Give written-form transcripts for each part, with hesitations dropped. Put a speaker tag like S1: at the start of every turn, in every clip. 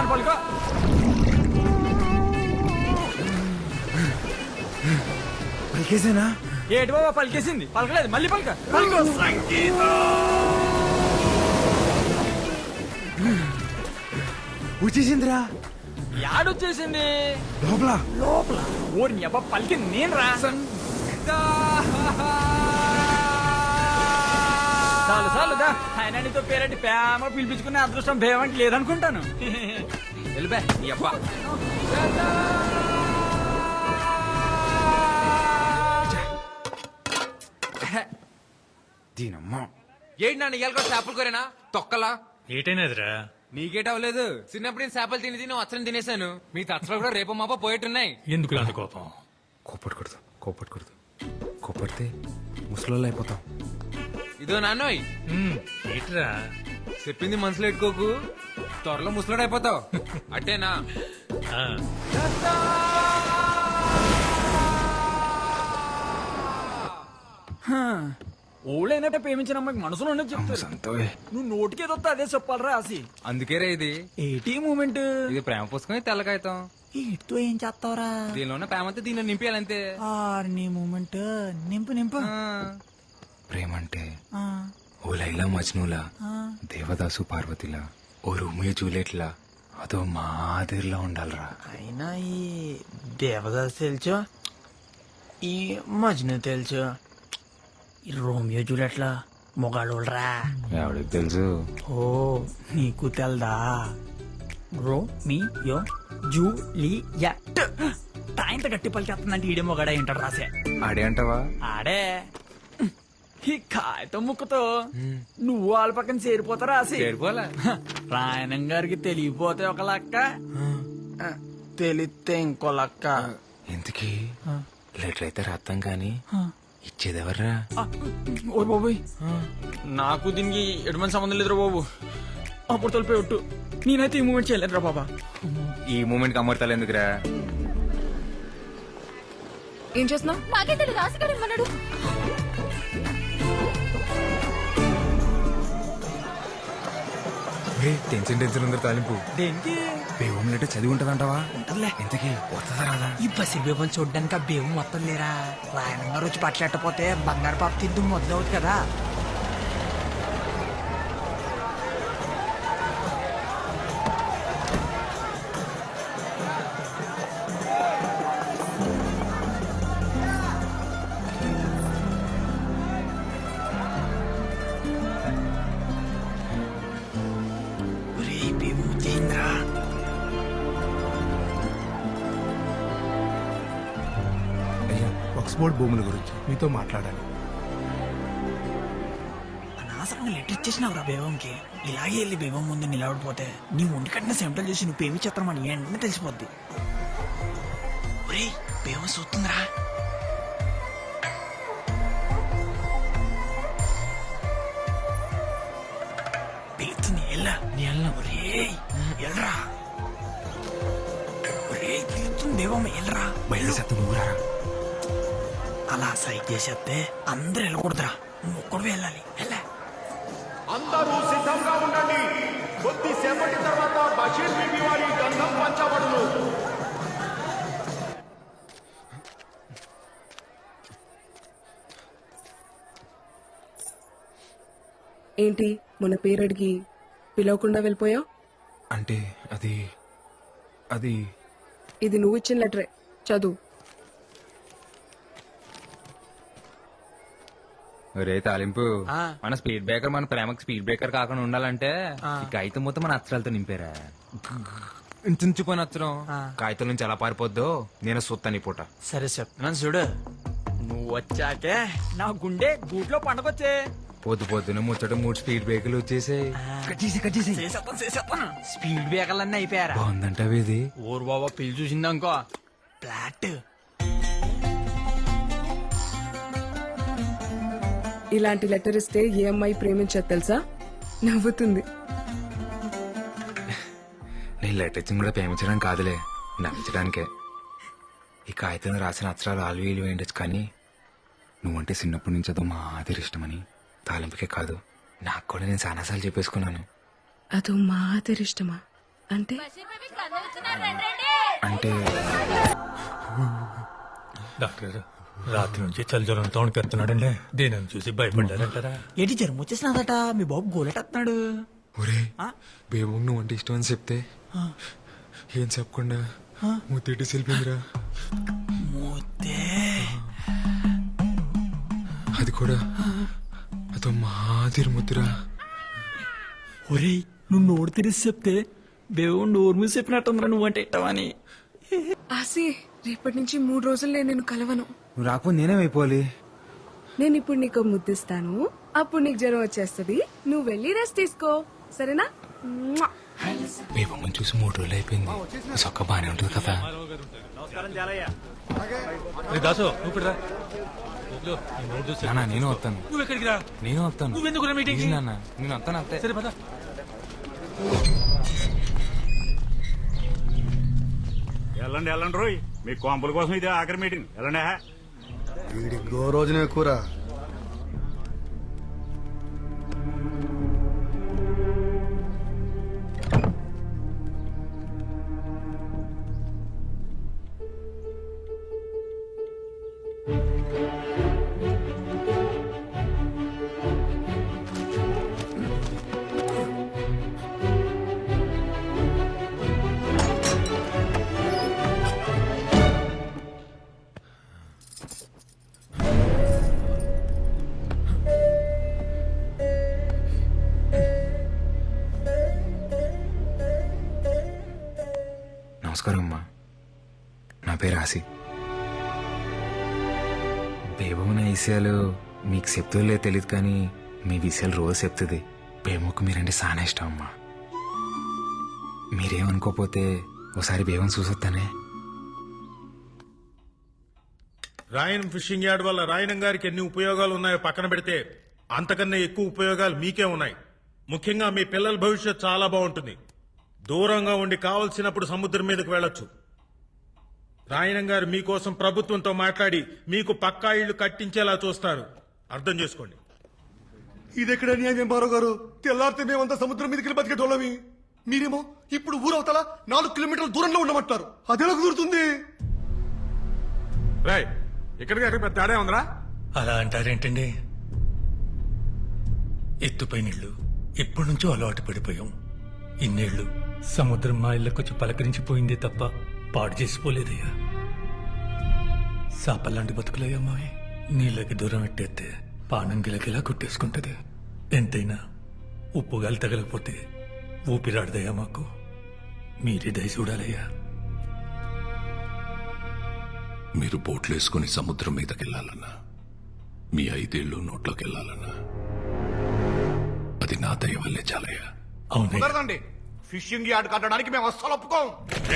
S1: పలుకో.
S2: పలికేసేనా?
S1: ఏటి బాబా పలికేసింది? పలకలేదు, మళ్ళీ పలక. పలుకో.
S2: వచ్చేసిందిరా
S1: యాడొచ్చేసింది?
S2: లోపల.
S1: లోపల ఓరి అబ్బా పలికింది నేను రా. చాలు చాలు దా. ఆయన నీతో పేరంటి ప్రేమ పిలిపించుకునే అదృష్టం భేమంటి లేదనుకుంటాను. వెళ్ళిపా నీ అబ్బా.
S2: దీనమ్మా
S3: ఏంటి నాన్న ఇవాళ కూడా చేపలు కూరేనా తొక్కలా?
S4: ఏటైనదిరా?
S3: నీకేట అవ్వలేదు. చిన్నప్పుడు నేను చేపలు తిని తిని వచ్చని తినేశాను. మీ తచ్చలు కూడా రేపు మాప పోయేట్టున్నాయి.
S4: ఎందుకు అంత కోపం?
S2: కోపడకూడదు, కోపడకూడదు. కోపడితే ముసలోళ్ళు అయిపోతాం.
S3: ఇదో నాన్నోయ్
S4: ఏట్రా?
S3: చెప్పింది మనసులో పెట్టుకోకు, త్వరలో ముసలాడు అయిపోతావు. అట్టేనా?
S4: ఆ,
S1: ఓళ్ళైనట్టే ప్రేమించిన అమ్మాయికి మనసులో ఉన్నది చెప్తారు.
S2: సంతోయ్
S1: నువ్వు నోటికి వస్తే అదే చెప్పాలరా రాసి.
S3: అందుకే రే ఇది.
S1: ఏటీ మూమెంట్
S3: ఇది ప్రేమ పుస్తకం, తెల్ల కాగితం.
S1: ఇటుతో ఏం చేస్తావరా?
S3: దీనిలోనే ప్రేమ అంతా దీనిలో నింపేయాలంతే.
S1: నీ మూమెంట్ నింపు నింపు.
S2: ప్రేమ అంటే
S1: ఆ,
S2: ఓ లైలా మజ్నులా,
S1: ఆ.
S2: దేవదాసు పార్వతిలా, ఓ రోమియో జూలియట్లా, అదో మాదిరిలా ఉండాలిరా.
S1: అయినా ఈ దేవదాస్ తెలుసు, ఈ మజ్ను తెలుసు, ఈ రోమియో జూలియట్లా మొగాళ్ళోళ్ళరా.
S2: ఎవడికి తెలుసు?
S1: ఓ నీకు తెల్దా? రోమియో జూలియట్ తాయింత గట్టి పలికేస్తుందంటే ఈడే మొగాడ ఏంటాడు రాసే.
S2: ఆడే అంటావా?
S1: ఆడే. ఈ కాగితం ముక్కతో నువ్వు వాళ్ళ పక్కన చేరిపోతారా రాసి.
S3: చేరిపోలే.
S1: రాయణం గారికి తెలియపోతే ఒక లక్క, తెలిస్తే ఇంకో లక్క.
S2: ఎందుకీ లెటర్ అయితే రాస్తాం కానీ ఇచ్చేదెవర్రా?
S1: ఓ బాబోయ్, నాకు దీనికి ఎటువంటి సంబంధం లేదురా బాబు. అప్పుడు తొలిపోయి ఒట్టు, నేనైతే ఈ మూమెంట్ చేయలేదురా బాబా.
S2: ఈ మూమెంట్ కి అమర్తాలు ఎందుకురా?
S5: ఏం చేస్తున్నావు?
S6: నాకే తెలియదు, రాసిగాడు ఇమ్మన్నాడు.
S2: టెన్షన్ టెన్షన్ ఉందరు తాలింపు.
S1: దేనికి?
S2: బేవం లెటర్ చదివి ఉంటదంటావా?
S1: ఉంటదిలే.
S2: ఇంతకీ వస్తుందా రాదా?
S1: ఈ బసి బేబం చూడ్డానికి ఆ బేబు మొత్తం లేరా. రాయణం గారు వచ్చి పట్లెట్టపోతే బంగారు పాప తిద్దు మొదలవుతుంది కదా. ఒరేయ్ బేబు వచ్చేసిందిరా.
S7: అయ్యా, ఆక్స్ఫోర్డ్ భూముల గురించి మీతో మాట్లాడాలి.
S1: అనవసరంగా లెటర్ ఇచ్చేసినావురా బేబంకి. ఇలాగే వెళ్ళి బేబం ముందు నిలబడిపోతే నీ ఒంటి కట్టిన సెంటల్ చేసి నువ్వు పేమి చిత్రమని వెంటనే తెలిసిపోద్ది. ఒరేయ్ బేబం చూస్తుందిరా. పిలుస్తుంది, ఎల్లా నీ ఎల్లా. ఒరేయ్ ఎల్రా. ఒరేయ్ పిలుస్తుంది బేబమ్మ, ఎల్రా.
S2: బయట సత్తు నువ్వు రారా.
S1: అలా సైడ్ చేసేస్తే అందరు వెళ్ళకూడదురా, నువ్వు ఒక్కడు వెళ్ళాలి. వెళ్ళా.
S8: అందరూ సిద్ధంగా ఉండండి. కొద్దిసేపటి తర్వాత బషీర్ బీబీ వారి గంధం పంచబడును.
S5: ఏంటి మన పేరడికి పిలవకుండా వెళ్ళిపోయావు?
S2: అంటే అది అది
S5: ఇది నువ్వు ఇచ్చిన లెటరే, చదువు.
S3: రే తాలింపు, మన స్పీడ్ బ్రేకర్ మన ప్రేమకి స్పీడ్ బ్రేకర్ కాకుండా ఉండాలంటే ఈ కాగితం మొత్తం మన అక్షరాలతో నింపారా. చించిపోయిన అక్షరం కాగితం నుంచి ఎలా పారిపోద్దో నేను సొత్తని పూట.
S1: సరే చెప్తున్నాను చూడు. నువ్వు వచ్చాకే నా గుండె గూట్లో పండగొచ్చే.
S3: పొద్దు పొద్దున ముచ్చట 3 స్పీడ్ బ్రేకర్లు వచ్చేసాయి.
S1: చేసేస్తాను. స్పీడ్ బ్రేకర్లన్నీ అయిపోయారా?
S2: బాగుందంటావు ఇది.
S1: ఊరు బాబా పిల్లి చూసిందనుకో ఫ్లాట్.
S5: ఇలాంటి లెటర్ ఇస్తే ఏ అమ్మాయి ప్రేమించదు తెలుసా? నవ్వుతుంది.
S2: నేను లెటర్ ఇచ్చింది కూడా ప్రేమించడానికి కాదులే, నవ్వించడానికే. ఈ కాగితంలో రాసిన అక్షరాలు ఆల్వీలు వేయండొచ్చు, కానీ నువ్వంటే చిన్నప్పటి నుంచి అదో మాదిరి ఇష్టమని తాలింపుకే కాదు నాకు కూడా నేను చాలాసార్లు చెప్పేసుకున్నాను.
S5: అదో మాదిరి ఇష్టమా? అంటే
S2: అంటే
S4: డాక్టర్ గారు రాత్రి నుంచి చలి జ్వరంతో వణికెత్తున్నాడండి దీనిని చూసి భయపడ్డారంటారా?
S1: ఏంటి జ్వరం వచ్చేసినదట మీ బాబు గోలెట్టేస్తున్నాడు.
S2: ఒరే బేబు నువ్వు అంటే ఇష్టం అని చెప్తే ఏం చెప్పకుండా ముద్దెట్టి సెల్పిందిరా.
S1: మూతే
S2: అది కూడా అదో మాదిరి ముద్దురా.
S1: ఒరేయ్ నువ్వు నోరు తెరిసి చెప్తే బేబు నోరు మూసి చెప్పినట్టుందిరా నువ్వంటే ఇట్టవని.
S5: ఆసి రేపటి నుంచి 3 రోజులు నేను కలవను.
S2: నువ్వు రాకపోతే నేనేమైపోవాలి?
S5: నేను ఇప్పుడు నీకు ముద్దిస్తాను, అప్పుడు నీకు జ్వరం వచ్చేస్తుంది. నువ్వు వెళ్ళి రెస్ట్ తీసుకో, సరేనా? మ్వా.
S2: బేబమ్మని చూసి 3 రోజులు అయిపోయింది. సొక్క బానే ఉంటుంది కదా.
S4: రే దాసు నువ్వు ఇక్కడ రా. ఇదిగో, ఈ మూడు చూసి
S2: నాన్న నేను వస్తాను.
S4: నువ్వు ఎక్కడికి రా?
S2: నేను వస్తాను.
S4: నువ్వెందుకు రా మీటింగ్?
S2: ప్లీజ్ నాన్న నేను వస్తాను అంతే.
S4: సరే పద.
S6: వెళ్ళండి వెళ్ళండి రోయ్, మీ కాంపుల కోసం ఇది ఆఖరి మీటింగ్. వెళ్ళండి.
S7: వీడికి గో రోజునే కూర.
S2: నమస్కారం అమ్మా, నా పేరు ఆసి. బేబమ్మ విషయాలు మీకు చెప్తుందో తెలియదు కానీ మీ విషయాలు రోజు చెప్తుంది. బేబమ్మకు మీరంటే చాలా ఇష్టం అమ్మా. మీరేమనుకోపోతే ఒకసారి బేబం చూసొస్తానే.
S8: రాయన్ ఫిషింగ్ యార్డ్ వల్ల రాయనం గారికి ఎన్ని ఉపయోగాలు ఉన్నాయో పక్కన పెడితే అంతకన్నా ఎక్కువ ఉపయోగాలు మీకే ఉన్నాయి. ముఖ్యంగా మీ పిల్లల భవిష్యత్ చాలా బాగుంటుంది. దూరంగా ఉండి కావలసినప్పుడు సముద్రం మీదకి వెళ్ళొచ్చు. రాయనం గారు మీకోసం ప్రభుత్వంతో మాట్లాడి మీకు పక్కా ఇళ్లు కట్టించేలా చూస్తారు. అర్థం చేసుకోండి.
S7: ఇది ఎక్కడ న్యాయం బారో గారు? తెల్లారితే మేమంతా సముద్రం మీదకి వెళ్ళి బతికేటోళ్ళమి. మీరేమో ఇప్పుడు ఊరవతల 4 కిలోమీటర్ల దూరంలో ఉండమంటారు. అదెలా కుదురుతుంది?
S8: రాయ్ ఇక్కడికి అక్కడ పెద్ద తేడా ఉందిరా.
S4: అలా అంటారేంటండి? ఎత్తుపై నీళ్లు ఎప్పటి నుంచో అలవాటు పడిపోయాం. ఇన్నేళ్లు సముద్రం మా ఇళ్ళకొచ్చి పలకరించిపోయిందే తప్ప పాడు చేసిపోలేదయ్యా. సాపల్లాంటి బతుకులయ్యా మావి. నీళ్ళకి దూరం పెట్టేస్తే పానం గిలగిలా కొట్టేసుకుంటది. ఎంతైనా ఉప్పుగాలి తగలకపోతే ఊపిరాడదయ్యా మాకు. మీరే దయ చూడాలయ్యా.
S9: మీరు బోట్లేసుకుని సముద్రం మీదకెళ్లాలన్నా, మీ 5 ఏళ్ళు నోట్లోకి వెళ్ళాలన్నా అది నా దయ వల్లే చాలయ్యా.
S4: అవునయ్యా.
S8: కుదరదండి. ఫిషింగ్ యార్డ్ కట్టడానికి మేము అస్సలు ఒప్పుకోం.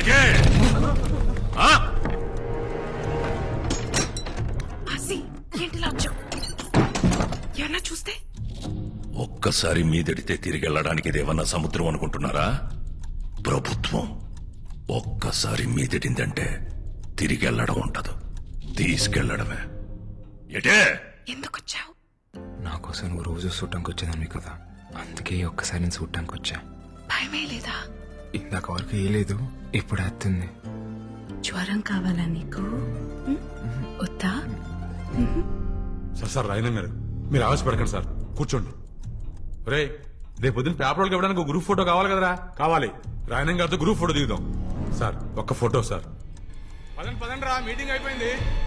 S5: ఆసి ఏంటి లాంచం? ఎవరన్నా చూస్తే?
S9: ఒక్కసారి మీదడితే తిరిగి వెళ్ళడానికి ఇదేమన్నా సముద్రం అనుకుంటున్నారా? ప్రభుత్వం. ఒక్కసారి మీదడిందంటే తిరిగి వెళ్ళడం ఉండదు, తీసుకెళ్లడమే. ఎటే
S5: ఎందుకు వచ్చావు?
S2: నా కోసం నువ్వు రోజు చూడటానికి వచ్చేదాన్ని కదా, అందుకే ఒక్కసారి నేను చూడటానికి వచ్చా.
S5: భయమే లేదా?
S2: ఇందాక వరకు ఏ లేదు, ఇప్పుడు వస్తుంది.
S5: జ్వరం కావాలా నీకు? వద్దా?
S8: సార్ రాయనం గారు మీరు ఆవేశపడకండి సార్, కూర్చోండి. రే రేపు పొద్దున్న పేపర్లకు ఇవ్వడానికి గ్రూప్ ఫోటో కావాలి కదరా? కావాలి. రాయనం గారితో గ్రూప్ ఫోటో దిగుదాం. సార్ ఒక్క ఫోటో సార్. పదండి పదండి రా, మీటింగ్ అయిపోయింది.